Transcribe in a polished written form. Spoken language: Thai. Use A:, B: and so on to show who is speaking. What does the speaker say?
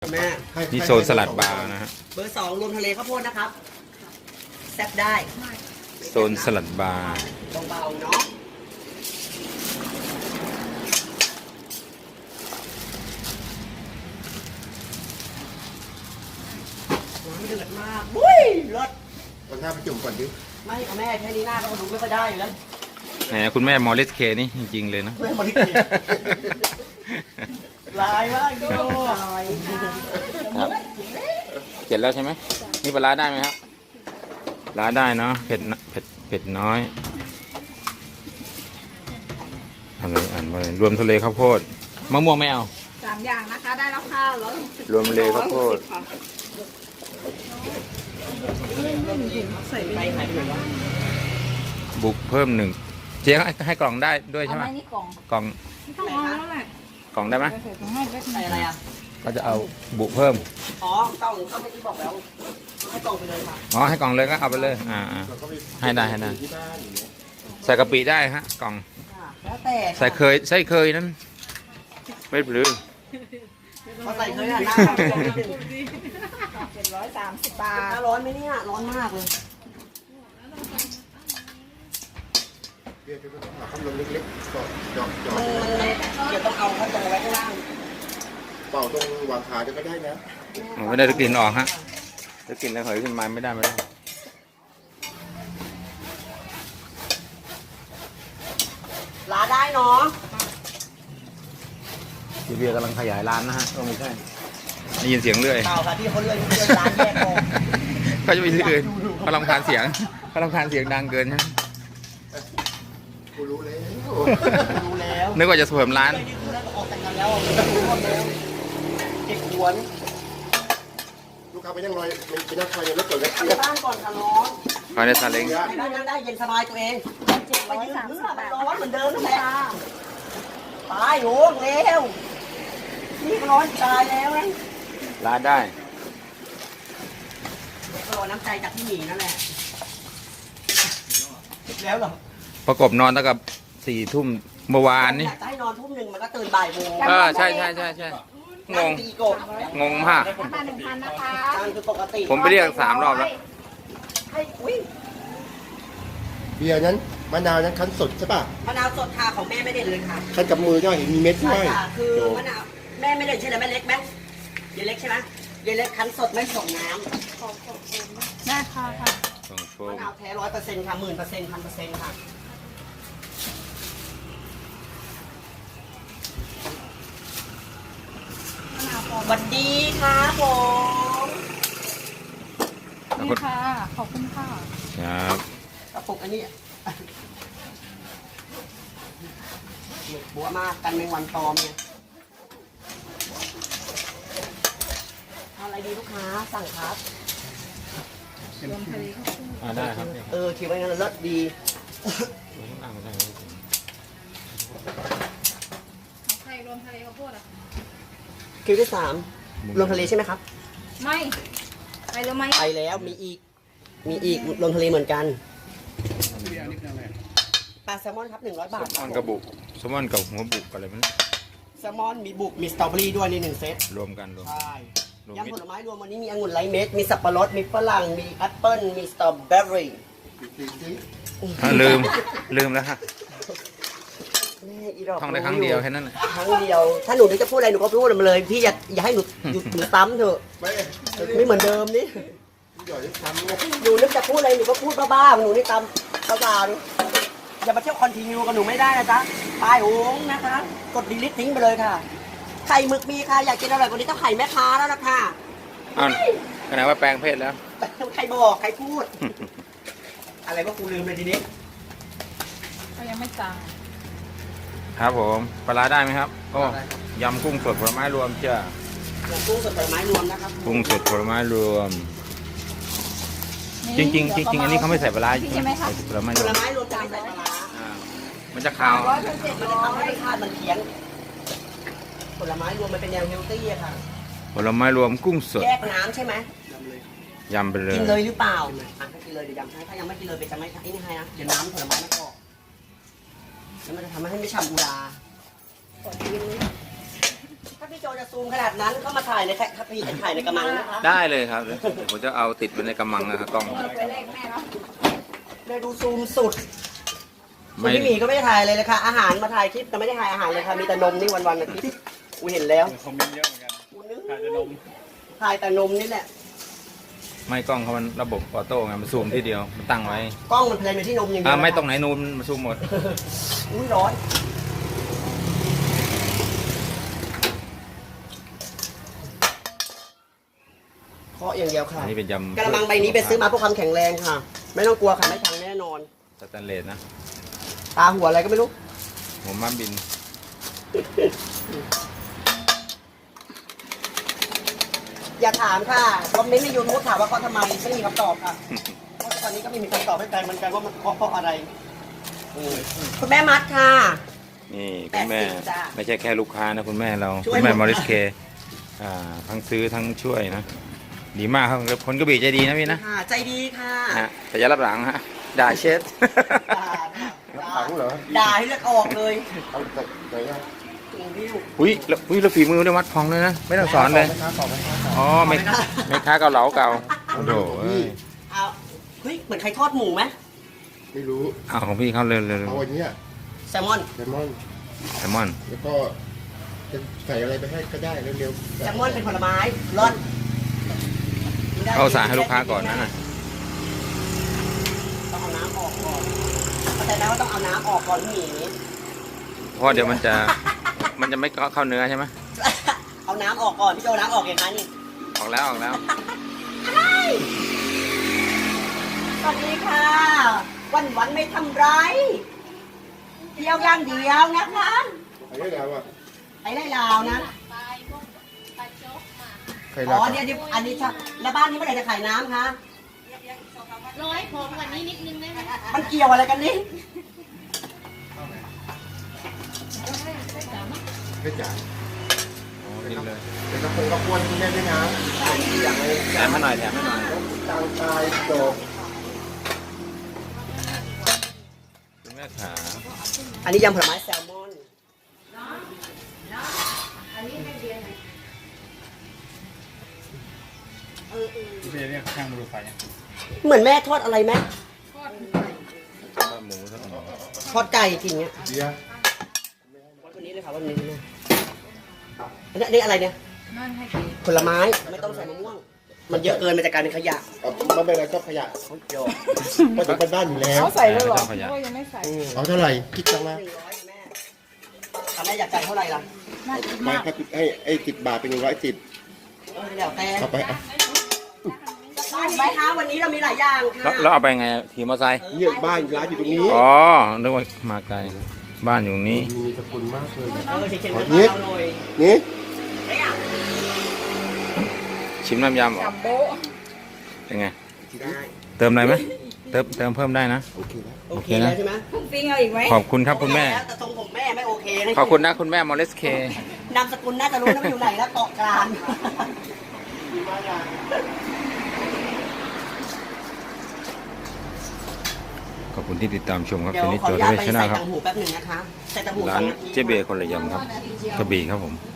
A: แม่
B: นี่โซนสลัดบาร์นะฮะ
A: เบอร์ 2รวมทะเลข้าวโพดนะครับแซ่บได้
B: โซนสลัดบาร์
A: เบาๆเนาะน้ำเดือดมากบุ้ยรส
C: เอาหน้าไปจุ่มก่อนดิ
A: ไม่ค่ะแม่แค่นี้หน้าก็ดูไม่ค่อยได้อยู่แล้ว
B: แหมคุณแม่มอริสเคนี่จริงๆเลยนะ
A: แม่มาดิลายมากดูลาย
B: ครับเสร็จแล้วใช่ไหมนี่ปลาร้าได้ไหมครับปลาร้าได้เนาะเผ็ดเผ็ดน้อยอะไรอ่านว่าอะไรรวมทะเลข้าวโพดมะม่วงไม่เอา
D: 3 อย่างนะคะได้แล้วค่ะแล้ว
B: รวมทะเลข้าวโพด
D: ใส่ไป
A: ไปไหนไปไหนวะ
B: บุกเพิ่ม1เจ๊ให้กล่องได้ด้วย
D: เอา
B: ใช่ไหม
D: ไม้นี่กล่อง
B: กล่อง
D: ไม่ต้องเอาแล้วแหละ
B: กล่องได้ไหม
D: ใส่ถุงให้เล็ก
A: ใส่อะไรอ่ะ
B: ก็จะเอาบุกเพิ่ม
A: อ๋อกล่องเขาเมื่อกี้บอกแล้วให้กล่องไปเลยค่ะ
B: อ๋อให้กล่องเลยก็เอาไปเลยให้ได้
C: ที่บ้านอย่างเงี้ย
B: ใส่กะปิได้ฮะกล่อง
A: ค่ะแล้วแต่
B: ใส่เคยนั้นไม่หรือ
A: เขาใส่เคยอ่ะหน้า
D: 730 บาท
A: ร้อนไหมเนี่ยร้อนมากเลย
C: เรียกว่าต้องหาพัดลมเล็กๆก็จอด
A: มันเดี๋ยวต้องเอาเขาตรงไว้ข้างล่าง
C: เป่าตรงวางขาจะก็ได้นะ
B: ไม่ได้จะกลิ่นออกฮะจะกลิ่นแล้วเหยขึ้นมาไม่ได้
A: ลาได้เนาะ
B: พี่เบียร์กำลังขยายร้านนะฮะไม่ใช่ได้ยินเสียงเรื่อย
A: เปล่าค่ะที่เขาเลื่อนร้านแยกออก
B: เขาจะไปที่อื่นเขารำคาญเสียงดังเกินใช่ไหม
C: กูรู้แล้ว
A: ดูแล้ว
B: นึกว่าจะเสริมร้าน
A: ไม่ได้ดูแล้วออกแต่งงานแล้วดูหมดแล้วเก็บหวน
C: ลูกค้าไปนั่งรอยไปนั่งคอยในรถก่อนเลย
A: ทำบ้านก่อนค่ะร้อน
B: คอยในซาเล้ง
A: ได้เย็นสบายตัวเองไปยืนเพื่อมันร้อนเหมือนเดิมนั่นแหละตายโหเร็วนี่ร้อนตายแล้วนะ
B: ร้านได้
A: รอน้ำใจจากพี่หมีนั่นแหละแล้วเหรอ
B: ประกบนอนตั้งแต่4 ทุ่มเมื่อวานนี่
A: อยากจะให้นอนทุ่มหนึ่งมันก็ตื่นบ่ายโมง
B: ใช่งง
A: ตีกบ
B: งงมาก
D: มา 1,000 นะคะ
A: นั่นคือปกติ
B: ผมไปเรียก3 รอบแล้ว
A: ให้อุ้ย
C: เบียร์นั้นมะนาวนั้นคั้นสดใช่ป่ะ
A: มะนาวสดค่ะของแม่ไม่ได้เลยค่ะ
C: คั้นกับมือใช่ไหมเห็นมีเม็ดด้
A: ใช่
C: วย
A: ค่ะคือมะนาวแม่ไม่ได้ใช่ไหมแม่เล็กไหมยายเล็กใช่ไหมยายเล็กคั้นสดไม่ส่งน้
D: ได้ค่ะ
B: ส่งโฟ
A: ำมะ
B: ม
A: นาวแท้100%ค่ะ10,000%1,000%ค่ะสวัสดีค่ะผม
D: นี่ค่ะ ขอบคุณค่ะ
B: ครับ
A: กระปุกอันนี้บัวมากกันแมงวันตอมเนี่ยเอาอะไรดีลูกค้าสั่งครับ
D: รวมทะเลข้าวโพด
B: ได้ครับ
A: คิดว่างั้นเลิศดี
D: เอาไข่รวมทะเลข้าวโพดอ่ะ
A: คิวที่3ลงทะเลใช่ไหมครับ
D: ไม่ไปแล้วไหม
A: ไปแล้วมีอีกลงทะเลเหมือนกันปลาแซลมอนครับ100 บาท
B: แซลมอนกับบุกแซลมอนกับหัวบุกอะไรมัน
A: แซลมอนมีบุกมีสตรอเบอรี่ด้วยใน1 เซต
B: รวมกันรวม
A: ใช่
B: รวม
A: ยำผลไม้รวมวันนี้มีองุ่นไร้เม็ดมีสับปะรดมีฝรั่งมีแอปเปิ้ลมีสตรอเบอรี่
B: ลืมแล้วฮะ
A: นี่อีดอก
B: ท่องได้ครั้งเดียวแค่นั้นแหละ
A: ครั้งเดียว ถ้าหนูนึกจะพูดอะไรหนูก็พูดมาเลยพี่อย่าให้หนูหยุดหนูซ้ำเถอะ
C: ไม่
A: ไม่เหมือนเดิมนี่
C: หยอดได้ทำไง
A: หนูนึกจะพูดอะไรหนูก็พูดบ้าๆหนูนี่ตามตาๆนี่อย่ามาเที่ยวคอนติเนียกับหนูไม่ได้นะจ๊ะตายโหงนะคะ กดดีลิททิ้งไปเลยค่ะ ไข่หมึกมีค่ะ อยากกินอร่อยกว่านี้ต้องไข่แม่ค้าแล้วนะค่ะ
B: อ้าวขนาดว่าแปลงเพศแล้ว
A: ใครบอกใครพูด อะไรว่ากูลืมเลยทีนี้
D: เขายังไม่จ่าย
B: ครับผมปลาร้าได้ไหมครับโอ้ยำกุ้งสดผลไม้รวมจ้า
A: อย่างกุ้งสดผลไม้รวมนะครับ
B: กุ้งสดผลไม้รวม จริงๆอันนี้เขาไม่ใส่ปลาร้า
D: ใช่ไหมคะ
B: ใส่ผลไม้
A: ผ
B: รว
A: ล
B: ม
A: ไม้รวมจานใส่ปลาร้า
B: อ่ามันจะขาว
A: มันจะทำให้รสชาติมันเพี้ยนผลไม้รวมมันเป็นแนวเฮลตี้อะค่ะ
B: ผลไม้รวมกุ้งสด
A: แยกน้ำใช่ไหม
B: ยำไปเลย
A: กินเลยหรือเปล่าถ้ากินเลยเดี๋ยวยำให้ถ้ายังไม่กินเลยเป็นจะไม่ไอ้นี่ให้นะเดี๋ยวน้ำผลไม้ไม่พอแล้วมันจะทำให้ไม่ฉ่ำอุราถ้าพี่โจจะซูมขนาดนั้นก็มาถ่ายในพี่ถ่ายในกระมังนะคะ
B: ได้เลยครับเดี๋ยวผมจะเอาติดไว้ในกำมังนะครับกล้อง
D: เอาไปเลขแม่เนาะ
A: เลยดูซูมสุด
B: ไม่
A: คุณพี่หมีก็ไม่ได้ถ่ายเลยค่ะอาหารมาถ่ายคลิปแต่ไม่ได้ถ่ายอาหารเลยค่ะมีแต่นมนี่วันๆนะพี่กูเห็นแล้ว
E: คอมเมนต์เยอะเหมือนกันถ่ายแต่นม
A: ถ่ายแต่นมนี่แหละ
B: ไม่กล้องเขามันระบบออโต้ไงมันซูมที่เดียวมันตั้งไว้
A: กล้องมันเพลนไปที่นมอย่างเดียว
B: ไม่ตรงไหนนูนมันซูมหมด
A: อุ้ยร้อนเคาะอย่างเดียวค่ะ
B: อันนี้เป็นยำ
A: กระมังใบนี้ไปซื้อมาเพื่อความแข็งแรงค่ะ ไม่ต้องกลัวค่ะไม่พังแน่นอน
B: สแตนเลสนะ
A: ตาหัวอะไรก็ไม่รู้
B: หัวม้าบิน
A: อย่าถามค่ะคอมเมนต์ในยูทูบถามว่าเขาทำไมไม่มีคำตอบค่ะเพราะตอนนี้ก็ไม่มีคำตอบให้ใครเหมือนกันว่ามันเพราะอะไรคุณแม่มัดค่ะ
B: นี่คุณแม่
A: 80จ้ะ
B: ไม่ใช่แค่ลูกค้านะคุณแม่เรา
A: ช่วย
B: คุณแม่
A: หมด
B: มอริสเคทั้งซื้อทั้งช่วยนะดีมากครับคนกระบี่ใจดีนะพี่นะ
A: ค่ะใจดีค่ะ
B: ฮะแต่อย่ารับหลังฮะด่าเชฟ
A: ด่าด่า
C: ถังเหรอ
A: ด่าให้เลือดออกเลย
C: เอาจากไหนอะ
A: วิว
B: อุ้ยแล้วฝีมือได้วัดพองเลยนะไม่ต้องสอนเลย
C: แม่ค้าต่อแม่ค้าต่อ
B: อ๋อไม่ค้าเกาเหลาเก่าโอ้โหเอ้ย
A: เอาเฮ้ยเหมือนใครทอดหมูไหม
C: ไม่รู้
B: เอาของพี่เขาเร็ว
C: เอาอันเนี้ย
A: แซลมอน
C: แซลมอน
B: ๆแซลมอน
C: แล้วก็จะใส่อะไรไปให้ก็ได้เร็วๆ
A: แซลมอนเป็นผลไม้ร้อนกินได้
B: เอาสารให้ลูกค้าก่อนนะ
A: ต้องเอาน้ำออกก่อนเข้าใจไหมว่าต้องเอาน้ำออกก่อนพี่หมี
B: เพราะเดี๋ยวมันจะไม่เข้าเนื้อใช่ไหม
A: เอาน้ำออกก่อนพี่โจน้ำออกเห็นไหมนี่
B: ออกแล้วออกแล้ว
A: สวัสดีค่ะ วันไม่ทำไรเดียวอย่างเดียวนะคะ
C: ใครได้แล้วอ่ะ
A: ไอ้ไรลาวนะ
C: ใคร
A: อ๋
C: รั
A: อเดี๋ยวอันนี้ค่ะแล้วบ้านนี้เมื่อไหร่จะขายน้ำคะ
F: ร้อยผมกว่านี้นิดนึงได้ไหม
A: มันเกี่ยวอะไรกันนี่
C: ไม่จ่าย
B: โอ้กินเลย
C: เป็นกระปุกกระปวนคุณแม่ด้วยนะใส่อย่างไร
B: แถมให้หน่อยแถมให้หน่อย
C: ตางตายโต
B: คุณแม่ขา
A: อันนี้ยำผลไม้แซลมอน
E: พี่เบียร์เนี่ยข้างมือไฟ
A: เหมือนแม่ทอดอะไรไหม
B: ข้าวหมูทั้งหมด
A: ทอดไก่กินเงี้ย
C: เบียร์
A: วันนี้เลยค่ะวันนี้เลยอันนี้อะไรเนี่ย
D: นั่นให้กิน
A: ผลไม้ไม่ต้องใส่มะม่วง มันเยอะเกินมันจะกลายเป็นขยะ
C: เอาไม่เป็นไรก็ขยะ
A: โย
C: มาถึงบ้านอยู่แล้ว
D: เขาใส่แล้วเหรอ
B: ไม่ต้องขยะ
D: โอ้ยยังไม่ใส่
C: เอาเท่าไหร่คิดจังนะ
A: 100แม่แม่อยากจ่ายเท่าไหร่ล่ะ
D: น่ากิน
C: ไม่
D: มาก
C: ครับให้10 บาทเป็น110
A: เดี๋ยวแต่
C: เอาไปเอา
A: ไปคะวันนี้เรามีหลายอย่างค่ะ
B: แล้วเอาไปไงขี่มอเตอร์ไซค์
C: เนี่ยบ้านร้านอยู่ตรงนี้
B: อ๋อนึกว่ามาไกลบ้านอยู่นี้
C: มีสกุลมากเลย
A: เขียนๆมาเราหน่อย
C: นี่
A: ไม่อยาก
B: ชิมน้ำยำเหรอ
D: จัมโบ้
B: เป็นไง
A: ได้
B: เติมอะไรไหมเติมเพิ่มได้นะ
C: โอเคแล้ว
A: โอเคแล้วใช่ไหม
D: พุ่งปิ้งเอาอีกไหม
B: ขอบคุณครับคุณแม่
A: แล้วแต่ทรงผมแม่ไม่โอเคนะ
B: ขอบคุณนะคุณแม่มอริสเคน
A: ามสกุลน่าจะรู้นะว่าอยู่ไหนแล้วเกาะกลาง
B: ขอบคุณที่ติดตามชมครับ
A: เดี๋ยว
B: เป็นนิ
A: ขอ
B: โจ
A: อนุ
B: ท
A: ญาต
B: เว
A: ไป
B: ชนา
A: ใส่
B: ครับ
A: ตังหูแป๊บหนึ่งนะคะใส่ตังหู
B: ร้าน
A: 2 นาที
B: เจ๊เบย์คนละยำครับกระบี่ครับผม